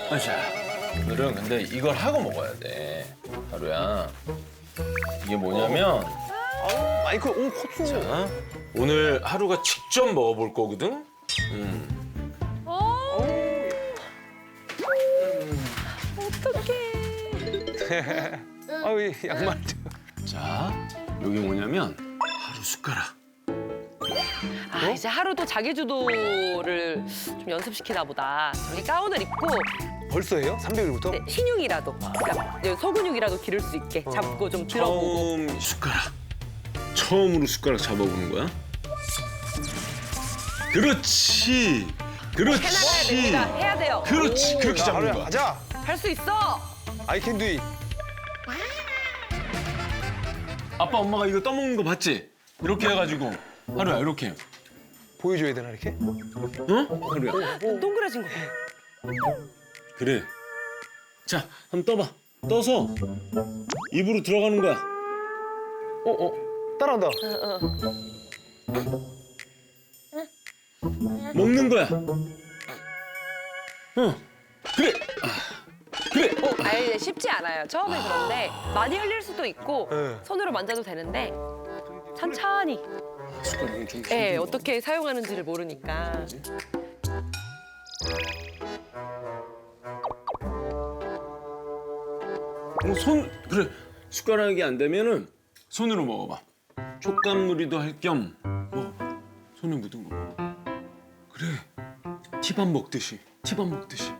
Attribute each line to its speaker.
Speaker 1: 자, 오늘은 근데 이걸 하고 먹어야 돼. 하루야. 이게 뭐냐면
Speaker 2: 마이크, 오, 고추.
Speaker 1: 자, 오늘 하루가 직접 먹어볼 거거든.
Speaker 2: 아우, 이 양말.
Speaker 1: 자, 여기 뭐냐면 하루 숟가락.
Speaker 3: 아, 이제 하루도 자기 주도를 좀 연습시키나 보다. 저기 가운을 입고
Speaker 2: 벌써 해요? 300일부터?
Speaker 3: 네, 신육이라도, 그러니까 소근육이라도 기를 수 있게 잡고 좀 들어보고.
Speaker 1: 처음 숟가락. 처음으로 숟가락 잡아보는 거야. 그렇지.
Speaker 3: 해나가야
Speaker 1: 그렇지.
Speaker 3: 됩니다. 해야 돼요.
Speaker 1: 그렇지. 그렇게
Speaker 2: 자,
Speaker 1: 잡는
Speaker 2: 하루야,
Speaker 1: 거야.
Speaker 2: 가자.
Speaker 3: 할 수 있어.
Speaker 2: I can do it.
Speaker 1: 아빠 엄마가 이거 떠먹는 거 봤지? 이렇게 해가지고 하루야 이렇게.
Speaker 2: 보여줘야 되나, 이렇게?
Speaker 1: 어? 하루야.
Speaker 3: 동그라진 거 봐.
Speaker 1: 그래. 자, 한번 떠봐. 떠서 입으로 들어가는 거야.
Speaker 2: 따라한다.
Speaker 1: 먹는 거야. 그래. 그래.
Speaker 3: 아니, 쉽지 않아요. 처음에 그런데 많이 흘릴 수도 있고
Speaker 2: 네.
Speaker 3: 손으로 만져도 되는데 천천히. 예, 어떻게 사용하는지를 모르니까.
Speaker 1: 그래. 숟가락이 안 되면은 손으로 먹어봐. 촉감놀이도 할 겸 먹어봐. 손에 묻은 거 먹어. 그래. 티밥 먹듯이. 티밥 먹듯이.